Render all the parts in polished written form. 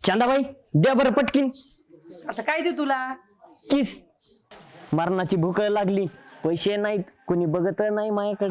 चंदाबाई द्या बरं पटकीन. आता काय दे तुला? किस. मरणाची भूक लागली, पैसे नाहीत, कोणी बघत नाही माझ्याकडे.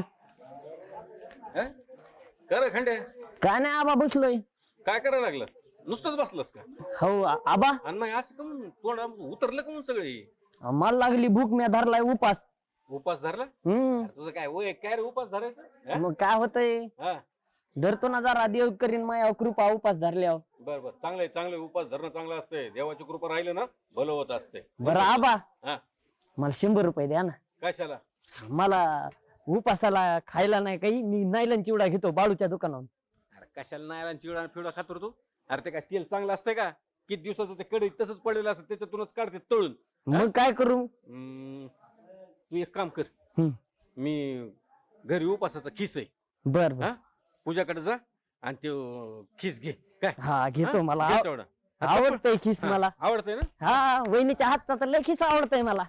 कर खंडे, काय नाही आबा बसलोय. काय करायला लागलं? नुसतंच बसलंस का? हो आबा, आणि मग असं कमून तोंड उतरलं का म्हणून सगळे? मला लागली भूक, मी धरलाय उपास. उपास धरला? तुझं काय वय काय रे उपास धरायचं? मग काय होतंय, धरतो ना जरा, देव करीन माया कृपा उपास धरल्यावर. बर बर, चांगलंय चांगलंय, उपास धरणं चांगलं असतंय. देवाची कृपा राहिलं ना भलं होत असते. बरं आबा, हा, मला 100 रुपये द्या ना. कशाला? मला उपासाला खायला नाही काही, मी नायलन चिवडा घेतो बाळूच्या दुकानावर. अरे कशाला नाही चिवडा पिवडा खातो तू? अरे ते काय तेल चांगलं असतंय का? किती दिवसाचं ते कडे तसंच पडलेलं असतं, त्याच्यातूनच काढते तळून. मग काय करू? तू एक काम कर, मी घरी उपासाचा खिस आहे. बर बर, पूजाकडे जा आणि ते खिस घे. काय? हा घेतो, मला घे तेवढा. आवडतंय खिस मला. आवडतंय ना? हा, वहिनीच्या हातचा तर लय खिस आवडतंय मला.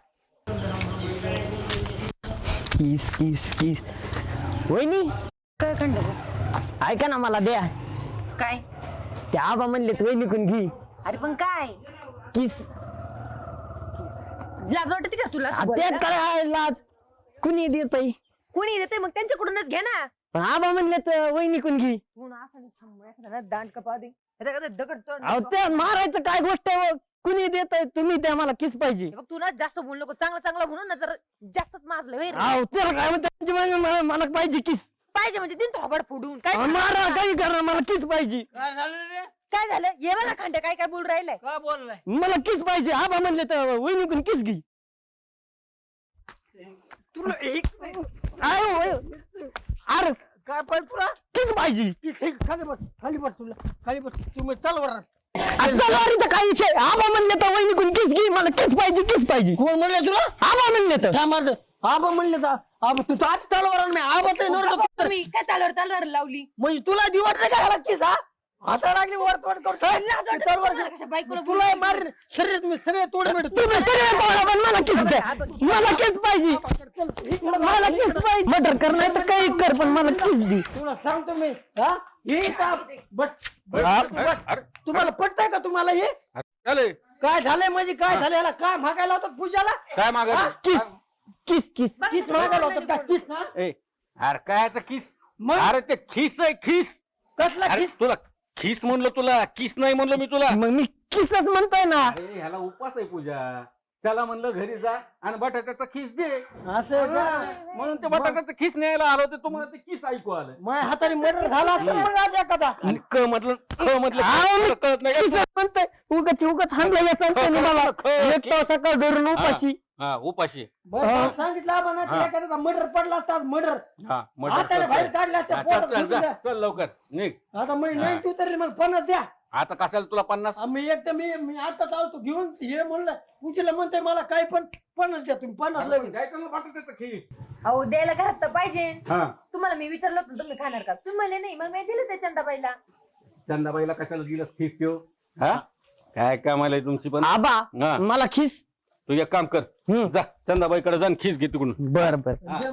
किस किस किस. वहिनी काय खंड? ऐका ना, मला द्या. काय? ते आबा म्हणलेत वहिनीकडून घे अरे पण काय किस. लाज वाटते का तुला? त्यात काय आहे लाज, कुणी देतय? कुणी देते मग त्यांच्याकडूनच घे ना. पण आबा म्हणलेत वहिनीकडून घे. दांड कपा दे दगड तोड. अहो ते मारायचं काय गोष्ट आहे? कुणी देतय? तुम्ही द्या, मला किस पाहिजे. बघ तू ना जास्त बोलू नको, चांगलं चांगलं म्हणून ना जर जास्तच माजलं होय रे. अहो त्याला काय म्हणते, मला पाहिजे किस. पाहिजे म्हणजे दिन थोबड फोडून काय मारा काही करा, मला किस पाहिजे. काय झालं रे? काय झालं? ये मला खंडे काय काय बोल राहिलंय. काय बोललाय? मला किस पाहिजे. आबा म्हणले तर वहिनीकडून किस घे. तुला अरे काय पाहिजे तुला? किस पाहिजे. खाली बस, खाली बस, तुला खाली बस. तुम्ही चल वर. तलवारीचा काय विषय? आबा म्हणले तर वहिनीकडून किस घे, मला किस पाहिजे, किस पाहिजे. कोण म्हणले तुला? आबा म्हणले तर. थांब, आबा म्हणले तर आबा तू आज तलवार मी आबाच तुम्ही काय तलवार लावली? म्हणजे तुला दिवट नाही का किस? हा हाता लागली वर तोड करतो. तुला मार शरीर मी सगळे तोड मिळतो. तुम्ही सगळे बोला, पण मला किस द्या. मला किस पाहिजे, मला किस पाहिजे. मटर कर नाही तर काही कर, पण मला किस दे. तुला सांगतो मी. हा हे का बस तुम्हाला पटतंय का? तुम्हाला हे चालेल. काय झालंय म्हणजे काय झालं? याला काय मागायला होतात पूजाला? काय मागायला? किस किस किस किस मागायला होतात का? किस ना? अरे कायचं खिस? मग अरे ते खिस आहे, खिस. कसला अरे किस? तुला खिस म्हणलं, तुला किस नाही म्हणलं मी तुला. मग मी किसच म्हणतोय ना. अरे ह्याला उपास आहे पूजा, त्याला म्हणलं घरी जा आणि बटाट्याचा खिस दे. असं का? म्हणून ते बटाट्याचं खिस न्यायला आलो, ते तुम्हाला ते किस ऐकू आलं. माझ्या हाताने मर्डर झाला असता मग आज एखादा. आणि क म्हटलं कळत नाही. किसच म्हणतोय. उगत हाणलं या संतांनी मला. एक तास सकाळ धरून उपाशी. हा उपाशी. बरं सांगितलं आपण एखादा मर्डर पडला असता. मर्डर हा हाताने बाहेर काढले असते. पोटात घुसून द्या. चल लवकर निघ. आता मी नाही तू तरी मला 50 द्या. आता कशाला तुला 50? मी एक तर मी आता चालतो घेऊन हे म्हणलं पूजेला म्हणते मला काय पण 50 द्या तुम्ही. 50 लगेच. काय करणार बटाट्याचं खिस? अहो द्यायला घरात तर पाहिजे. हा तुम्हाला मी विचारलं होतं तुम्ही खाणार का, तुम्ही म्हणले नाही, मग मी दिलं त्या चंदाबाईला. चंदाबाईला कशाला दिलंस खिस देऊ? हा काय कामाला आहे तुमची पण? आबा हा. मला खिस. तू एक काम कर, जा चंदाबाईकडे जा आणि खिस घे तिकडून. बर बर.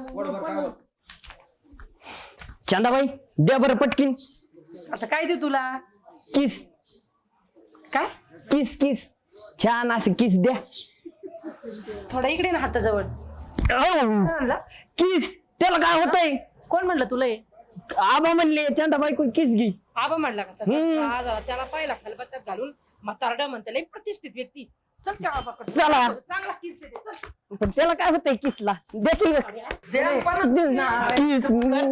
चंदाबाई द्या बरं पटकीन. आता काय दे तुला? किस काय? किस किस. छान असं किस द्या. थोडा इकडे ना हाताजवळ. किस. त्याला काय होतंय? कोण म्हणलं तुला हे? आबा म्हणले चंदाबाईकडून किस घे. आबा म्हणला का तसा? त्याला पाहिला खलबत्त्यात घालून म्हातारडा म्हणते लई प्रतिष्ठित व्यक्ती. चल त्या आबाकडे. चला. चांगला किस दे, चल. पण त्याला काय होतंय किसला? देखील किस.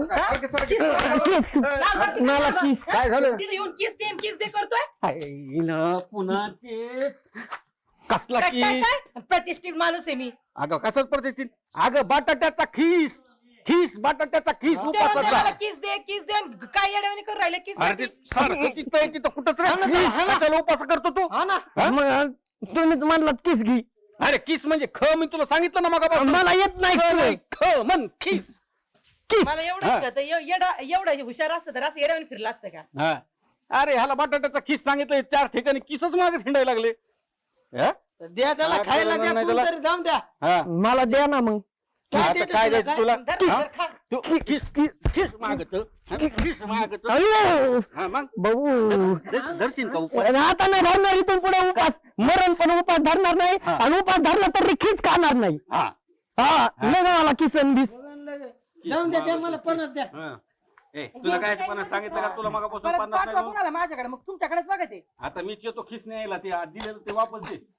मला किस. काय झालं? तिथे येऊन किस दे करतोय. पुन्हा तेच कसला काय काय खिस? काय? प्रतिष्ठित माणूस आहे मी. अगं कशाच प्रतिष्ठित? अगं बटाट्याचा खिस. खिस बटाट्याचा खिस तेव्हा ते उपासाचा. मला किस दे आणि काय येड्यावानी करून राहिले किस अरे ते सारखं तिथं आहे, तिथं कुठंच रे. कशाला उपास करतो तू? हा ना. मग तुम्हीच म्हणलात किस घे. अरे किस म्हणजे ख, मी तुला सांगितलं ना मग. मला येत नाही. ख म्हण खिस. मला एवढं एवढा हुशार असतं तर असं येड्यावानी फिरला असतं का? हा. अरे ह्याला बटाट्याचा खिस सांगितलं, 4 ठिकाणी किसच मागे हिंडायला लागले. हा? द्या त्याला खायला द्या. नाही त्याला. कोणतरी जाऊन द्या. हा. मला द्या ना मग. आता काय द्यायचं तुला? धर, हा? धर, खा. तू किस किस किस मागत माझ्याकडे अयो हा मग भाऊ धरशील का उपास? आता नाही धरणार इथून पुढे उपास मरण पण उपास धरणार नाही हा. आणि उपास धरला तर खीच खाणार नाही हा हा नाही मला किसन बीस जाऊन द्या मला 50 द्या. हा. ए तुला काय पन्नास सांगितलं का तुला मगापासून परत 50 पाठवा नाही म्हणून? कोणाला माझ्याकडे मग तुमच्याकडेच बघा ते आता मीच येतो खिस न्यायला ते दिलेलं ते वापस दे